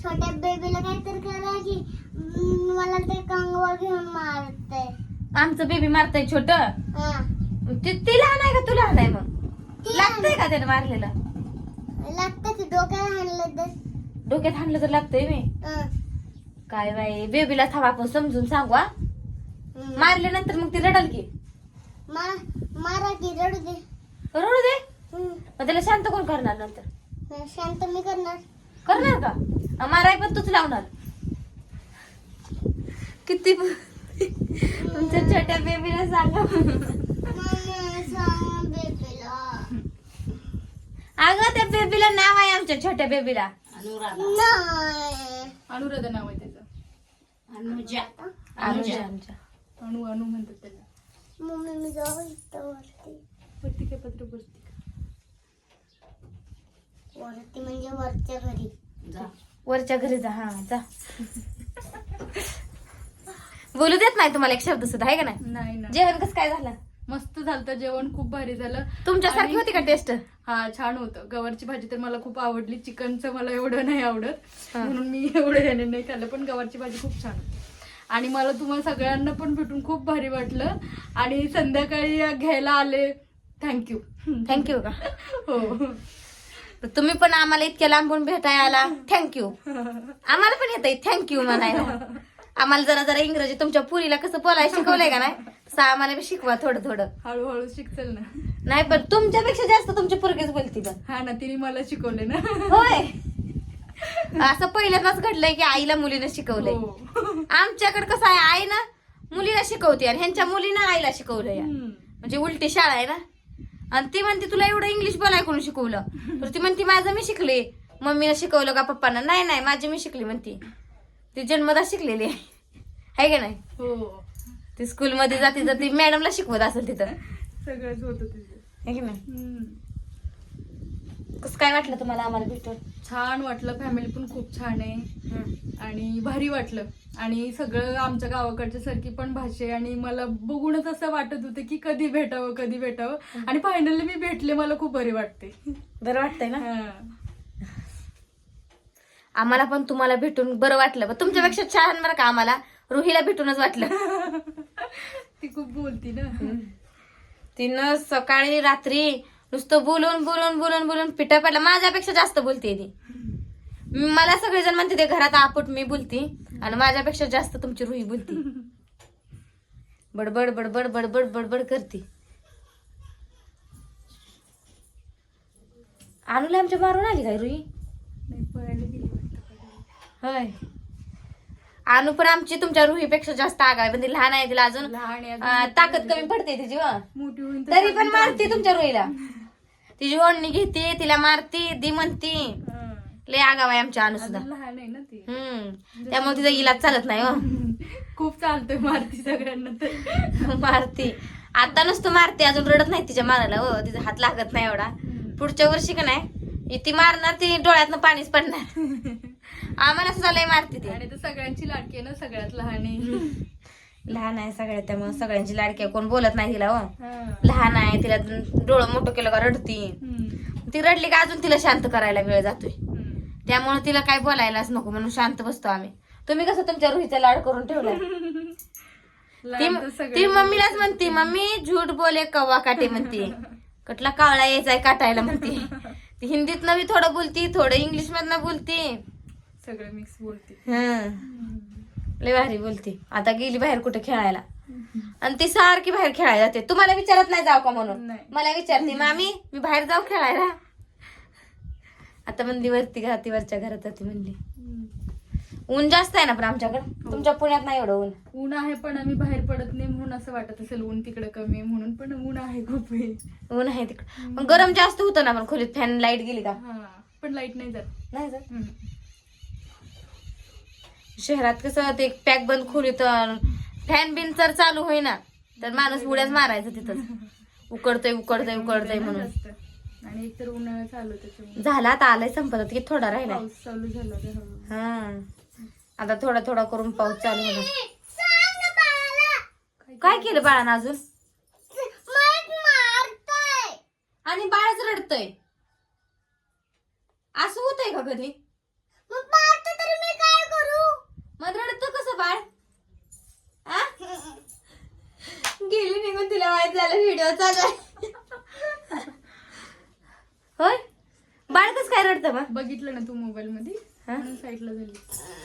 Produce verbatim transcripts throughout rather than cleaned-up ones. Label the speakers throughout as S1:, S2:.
S1: छोट्या बेबीला काहीतरी करा की मला ते कंगवा घेऊन मारते.
S2: आमचं बेबी मारतय छोट. ती लहान आहे का तू लहान आहे मग लागतंय का त्याने मारलेलं?
S1: लागतं की डोक्याला हाणलं तर.
S2: डोक्यात हाणलं तर लागतंय मी. काय बाई बेबीला थांबा आपण समजून सांगू. मारल्यानंतर मग ती रडल की.
S1: मारा की रडू दे.
S2: रडू दे मग त्याला शांत कोण करणार नंतर?
S1: शांत मी करणार.
S2: करणार का? माराय पण तूच लावणार. किती तुमच्या छोट्या बेबीला सांगा. अगं त्या बेबीला नाव आहे आमच्या छोट्या बेबीला.
S3: अनुराधा नाव आहे त्याचं.
S2: अनुजा. अनुजा आमच्या
S3: अनु अनु म्हणतात त्याला.
S1: मम्मी मी जाऊ इथं वरती.
S3: वरती काय पत्र बसती का?
S1: वरती म्हणजे वरच्या घरी
S2: जा. वरच्या घरी जा. हा जा. बोलू देत नाही तुम्हाला एक शब्द सुद्धा आहे का नाही?
S3: नाही ना.
S2: जेवण कसं काय झालं?
S3: मस्त झालं जेवण, खूप भारी झालं.
S2: तुमच्यासारखी होती का टेस्ट?
S3: हा छान होतं. गवारची भाजी तर मला खूप आवडली. चिकनचं मला एवढं नाही आवडत म्हणून मी एवढं याने नाही खाल्लं, पण गवारची भाजी खूप छान होती. आणि मला तुम्हाला सगळ्यांना पण भेटून खूप भारी वाटलं. आणि संध्याकाळी घ्यायला आले, थँक्यू.
S2: थँक्यू का?
S3: हो.
S2: तुम्ही पण आम्हाला इतक्या लांबून भेटायला आला, थँक्यू. आम्हाला पण येत थँक्यू म्हणायला. आम्हाला जरा जरा इंग्रजी तुमच्या पुरीला कसं बोलायला शिकवलंय का नाही तसं आम्हाला बी शिकवा थोडं थोडं.
S3: हळूहळू शिकचल ना.
S2: नाही पण तुमच्यापेक्षा जास्त तुमची पोरगीच बोलती पण.
S3: हा ना, तिने मला शिकवले ना.
S2: होय. असं पहिल्यांदाच घडलंय की आईला मुलीनं शिकवलंय. आमच्याकडे कसं आहे, आई ना मुलीला शिकवते आणि ह्यांच्या मुलीनं आईला शिकवलंय. म्हणजे उलटी शाळा आहे ना. आणि ती म्हणते तुला एवढं इंग्लिश बोलाय कोण शिकवलं? तर ती म्हणते माझं मी शिकले. मम्मीनं शिकवलं का पप्पांना? नाही नाही माझी मी शिकली म्हणते. ती जन्मदा शिकलेली आहे का नाही?
S3: हो.
S2: ती स्कूलमध्ये जाती जाती मॅडमला शिकवत असेल तिथं.
S3: सगळंच होतं तिचं.
S2: आहे की नाही? कसं काय वाटलं तुम्हाला आम्हाला भेटून?
S3: छान वाटलं. फॅमिली पण खूप छान आहे आणि भारी वाटलं. आणि सगळं आमच्या गावाकडच्या सारखी पण भाषा आहे. आणि मला बघूनच असं वाटत होतं की कधी भेटावं कधी भेटावं. आणि फायनली मी भेटले. मला खूप बरे वाटते.
S2: बरं वाटतंय ना? आम्हाला पण तुम्हाला भेटून बरं वाटलं. पण तुमच्यापेक्षा छान बरं का आम्हाला रुहीला भेटूनच वाटलं.
S3: ती खूप बोलती ना.
S2: तिनं सकाळी रात्री नुसतं बोलून बोलून बोलून बोलून पिठा पडला. माझ्यापेक्षा जास्त बोलते ती. मला सगळेजण म्हणते ते घरात आपट मी बोलती आणि माझ्यापेक्षा जास्त तुमची रुही बोलती. बडबड बडबड बडबड बडबड करते. अनुला आमच्या मारून आली काय रुही?
S3: नाही, पळायला गेली वाटतं.
S2: होय. अनु पण आमची तुमच्या रुहीपेक्षा जास्त आगाय पण ती लहान आहे. तिला अजून
S3: लहान आहे,
S2: अं, ताकद कमी पडते तिची.
S3: मोठी होईल
S2: तरी पण मारते तुमच्या रुहीला. तिची ओढणी घेते, तिला मारती, दी म्हणती. लय आगाव आहे आमच्या अनु सुद्धा.
S3: लहान आहे ना ती.
S2: हम्म त्यामुळे तिचा इलाज चालत नाही. हो
S3: खूप चालतोय. मारती सगळ्यांना तर.
S2: मारती. आता नुसतं मारते, अजून रडत नाही तिच्या मारायला. हो तिचा हात लागत नाही एवढा. पुढच्या वर्षी का नाही ती मारणार, ती डोळ्यातनं पाणीच पडणार. आम्हाला सुद्धा लय मारते ती.
S3: आणि तर सगळ्यांची लाडकी आहे ना, सगळ्यात लहान आहे.
S2: लहान आहे सगळ्या, त्यामुळे सगळ्यांची लाडकी आहे. कोण बोलत नाही तिला. हो लहान आहे, तिला डोळं मोठं केलं का रडती. ती रडली का अजून तिला शांत करायला वेळ जातोय. त्यामुळे तिला काय बोलायलाच नको म्हणून शांत बसतो आम्ही. तुम्ही कसं तुमच्या रुहीचा लाड करून ठेवलाय. ती मम्मीलाच म्हणते, मम्मी झूट बोले कव्वा काटे म्हणते. कटला कावळा यायचाय काटायला म्हणते. ती हिंदीत नवी थोडं बोलती, थोडं इंग्लिश मधनं बोलती.
S3: सगळं मिक्स बोलते.
S2: लय भारी बोलती. आता गेली बाहेर कुठे खेळायला आणि ती सारखी बाहेर खेळायला जाते. तुम्हाला विचारत नाही जाऊ का म्हणून? मला विचारते, मामी मी बाहेर जाऊ खेळायला. आता म्हणली वरती घराती वरच्या घरात जाते म्हणली. ऊन जास्त आहे ना पण आमच्याकडे. तुमच्या पुण्यात नाही एवढं ऊन.
S3: ऊन आहे पण आम्ही बाहेर पडत नाही म्हणून असं वाटत असेल ऊन तिकडे कमी आहे म्हणून. पण ऊन आहे खूप.
S2: ऊन आहे तिकडे पण गरम जास्त होतं ना. पण खोलीत फॅन लाईट गेली का?
S3: पण लाईट नाही जात.
S2: नाही जात. शहरात कसं ते पॅक बंद खोलीत फॅन बिन जर चालू होईना तर माणूस उड्याच मारायचं तिथं. उकडतय उकडतय उकडतय म्हणून.
S3: आणि एक तर उन्हाळा चालू त्याच्यामुळे.
S2: झाला आता आलाय संपत की थोडा राहिला.
S3: पाऊस चालू झाला.
S2: हा आता थोडा थोडा करून पाऊस चालू होणार. काय केलं बाळानं अजून? आणि बाळच रडतय. असं होतंय का कधी? तिला माहित झालं व्हिडिओ चालू आहे. होय बाळ कस काय रडतं मग?
S3: बघितलं ना तू मोबाईल मध्ये
S2: हा?
S3: म्हणून साईडला झाली.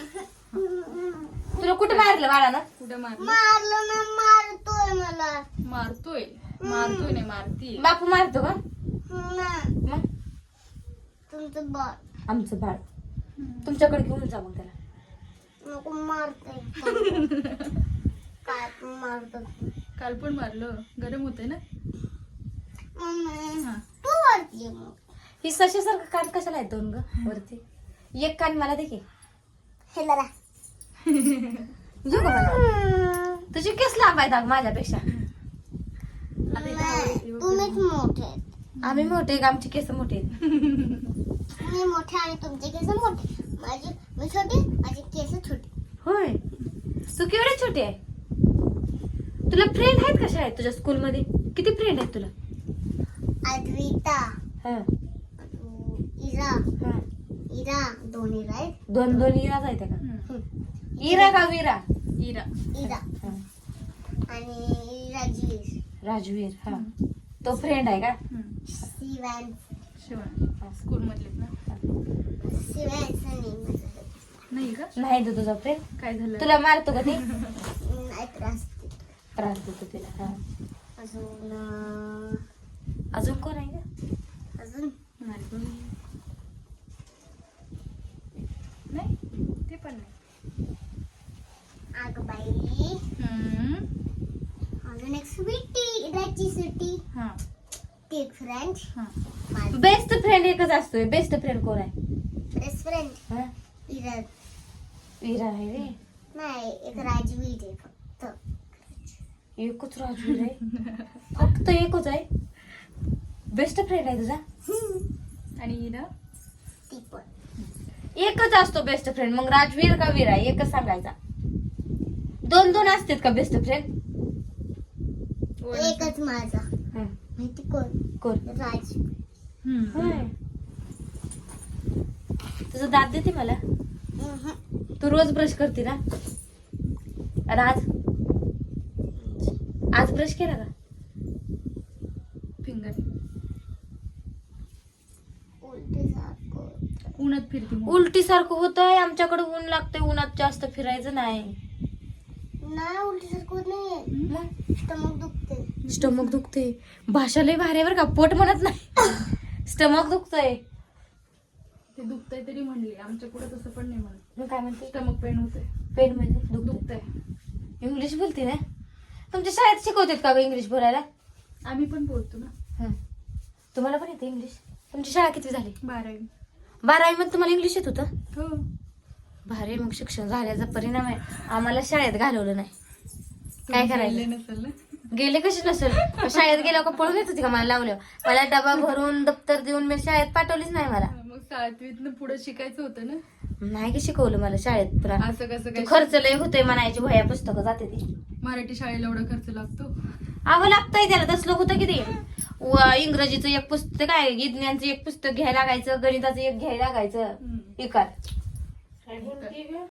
S2: तुला कुठं मारलं बाळानं?
S3: कुठं मारलं?
S1: मारलं ना मारतोय मला.
S3: मारतोय मारतोय नाही मारती.
S2: बापू मारतो का?
S1: नाही,
S2: मग
S1: तुमचं बाळ
S2: आमचं बाळ तुमच्याकडे घेऊन जा मग त्याला.
S1: नको मारते. काय पण मारतो.
S3: काल पण मारलं, गरम होतंय ना.
S1: मम्मी
S3: हा.
S1: तू मारते मग.
S2: ही सशासारखं कान कशाला आहेत दोन ग वरती? एक कान मला दे की.
S1: हे जरा
S2: घेऊ का मला? तुझी केस लांब आहेत अगं माझ्यापेक्षा.
S1: नाही, तुम्हीच मोठे आहेत.
S2: आम्ही मोठे आहे का? आमची केस मोठे आहेत.
S1: मी मोठे आणि तुमचे केस मोठे. माझी मी छोटी, माझी केस छोटी.
S2: होय तू केवढी छोटी आहे. तुला फ्रेंड आहेत कशा आहेत तुझ्या स्कूल मध्ये? किती फ्रेंड आहेत तुला?
S1: अद्विता,
S2: हा
S1: इरा,
S2: हा
S1: इरा दोन इरा आहेत.
S2: दोन दोन इराच आहेत का?
S3: हम्म.
S2: इरा का विरा?
S3: इरा.
S1: इरा
S2: हा.
S1: आणि राजवीर,
S2: राजवीर. हा तो फ्रेंड आहे का?
S3: हम्म.
S1: शिवान,
S3: शिवाय स्कूल मधले ना.
S1: शिवायचं नाही माझं.
S3: नाही का?
S2: नाही तो तुझा फ्रेंड.
S3: काय झालं?
S2: तुला मारतो का ते?
S1: नाही त्रास देतो.
S2: त्रास देतो तिला. हा.
S1: अजून अं,
S2: अजून कोण आहे का?
S1: अजून
S3: मारतो. नाही ते पण नाही.
S1: आगबाई,
S3: हम्म.
S1: अजून एक स्वीटी, इराची स्वीटी,
S3: हा
S1: ती एक फ्रेंड,
S3: हा.
S1: माझी
S2: बेस्ट फ्रेंड एकच असतोय. बेस्ट फ्रेंड कोण आहे?
S1: बेस्ट फ्रेंड
S2: हा?
S1: इरा.
S2: विरा आहे रे.
S1: नाही, एक राजवीर आहे फक्त.
S2: एकच राजवीर आहे. फक्त एकच आहे. बेस्ट फ्रेंड आहे तुझा?
S3: आणि इरा
S1: ती पण.
S2: एकच असतो बेस्ट फ्रेंड. मग राजवीर का वीरा एकच सांगायचा. दोन दोन असतात का बेस्ट फ्रेंड?
S1: एकच माझा. माहिती कोण?
S2: कोण?
S1: राज.
S3: हम्म.
S2: होय. तुझं दात देते मला?
S1: उहुं.
S2: तू रोज ब्रश करते ना? राज आज ब्रश केला का?
S3: फिंगर
S1: उलटी सारखं.
S3: उन्हात फिरती मग.
S2: उलटी सारखं होतंय. आमच्याकडे ऊन लागतंय. उन्हात जास्त फिरायचं नाही.
S1: नाही, उलटी सारखं होत नाहीये.
S2: मग
S1: स्टमक दुखते.
S2: स्टमक दुखते. भाषा लय भारी आहे बरं का. पोट म्हणत नाही. स्टमक दुखतंय.
S3: ते दुखतंय तरी म्हणले. आमच्या पुढे तसं पण नाही म्हणत.
S2: मग काय म्हणते?
S3: स्टमक पेन होतंय.
S2: पेन म्हणजे दुख
S3: दुखतंय.
S2: इंग्लिश बोलते ना? तुमच्या शाळेत शिकवतात का ग इंग्लिश बोलायला?
S3: आम्ही पण बोलतो ना.
S2: हं. तुम्हाला पण येते इंग्लिश? तुमची शाळा किती झाली?
S3: बारावी.
S2: बारावी मध्ये तुम्हाला इंग्लिश येत होतं?
S3: हो.
S2: भारी. मग शिक्षण झाल्याचा परिणाम आहे. आम्हाला शाळेत घालवलं नाही. काय करायचं?
S3: गेले नसेल ना.
S2: गेले कशी नसेल. शाळेत गेल्यावर का पळून येत होती का मला लावलं? मला डबा भरून दप्तर देऊन मी शाळेत पाठवलीच नाही मला.
S3: मग सातवीतनं पुढे शिकायचं होतं ना.
S2: नाही की शिकवलं मला शाळेत. पुन्हा
S3: असं कसं काय?
S2: खर्च लय होतोय म्हणायची. वह्या पुस्तकं जाते ती.
S3: मराठी शाळेला एवढा खर्च लागतो.
S2: अहो लागतंय त्याला. तसलं होतं की ते व- इंग्रजीचं एक पुस्तक आहे, विज्ञानचं एक पुस्तक घ्यायला लागायचं, गणिताचं एक घ्यायला लागायचं.
S3: हम्म.
S2: एकात